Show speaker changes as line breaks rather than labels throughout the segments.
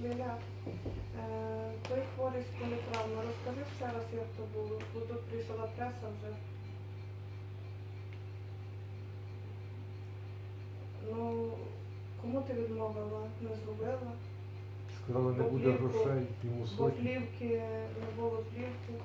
Ліля, той хворий з політравми, розкажи ще раз, як то було, бо тут прийшла преса вже. Ну, кому ти відмовила? Не зробила?
Сказали, не буде грошей, йому
Бо
сотні.
плівки, не було плівки.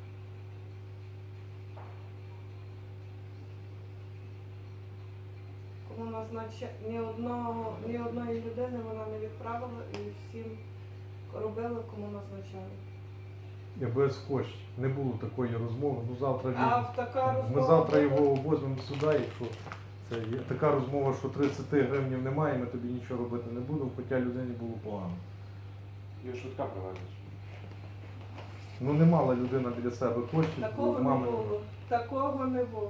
Кому назначає, ні одної людини вона не відправила і всім робили, кому назначали.
Я без коштів. Не було такої розмови. Ну завтра
А
він...
в така розмова...
Ми завтра
була?
його возьмемо сюди, якщо це є. Така розмова, що 30 гривнів немає, ми тобі нічого робити не будемо, хоча людині було погано.
Його швидка привезла.
Ну не мала людина біля себе коштів,
Такого не
мами
було. Такого не було.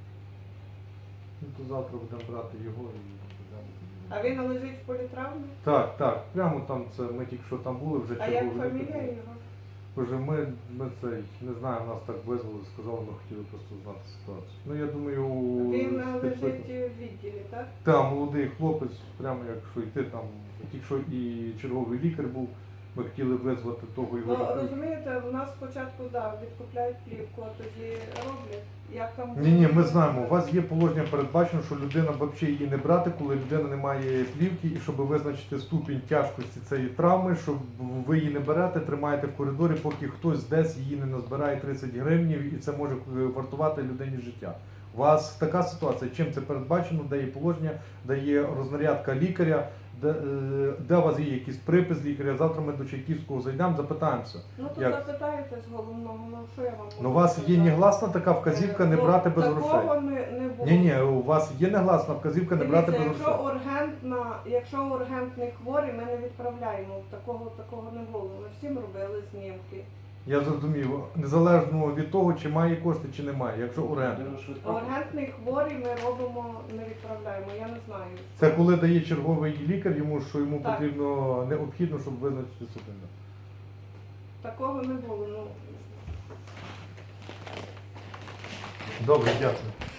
Ну то завтра будемо брати його і будемо.
А він лежить в політравмі?
Так, так, прямо там це, ми тільки що там були, вже
А як
черговий
фамілія
випадок.
його?
Боже, ми цей, не знаю, нас так визвали, сказали, ми хотіли просто знати ситуацію. Ну я думаю,
Він лежить в відділі, так?
Так, молодий хлопець, прямо якщо йти там, тільки що і черговий лікар був, ми хотіли визвати того його.
Ну, розумієте, у нас спочатку, да, відкупляють плівку, а тоді роблять. Як там...
Ні, ми знаємо, у вас є положення передбачено, що людина взагалі її не брати, коли людина не має плівки, і щоб визначити ступінь тяжкості цієї травми, щоб ви її не берете, тримаєте в коридорі, поки хтось десь її не назбирає 30 гривнів, і це може вартувати людині життя. У вас така ситуація, чим це передбачено, де є положення, де є рознарядка лікаря, де у вас є якийсь припис лікаря, завтра ми до Чайківського зайдемо, запитаємося.
Ну, то
як?
запитаєте з головного, ну що я вам можу
Ну, у вас є
сказати?
негласна така вказівка не
Ну,
брати без грошей.
Такого не було.
Ні, у вас є негласна вказівка не брати без
Дивіться,
грошей.
якщо ургентний хворий, ми не відправляємо. Такого не було. Ми всім робили знімки.
Я зрозумів, незалежно від того, чи має кошти, чи немає, якщо ургент.
Людина швидка.
Ургентний хворий ми робимо, не відправляємо. Я не знаю.
Це коли дає черговий лікар йому, що йому
Так.
потрібно необхідно, щоб визначити супинку.
Такого не було. Ну.
Добре, дякую.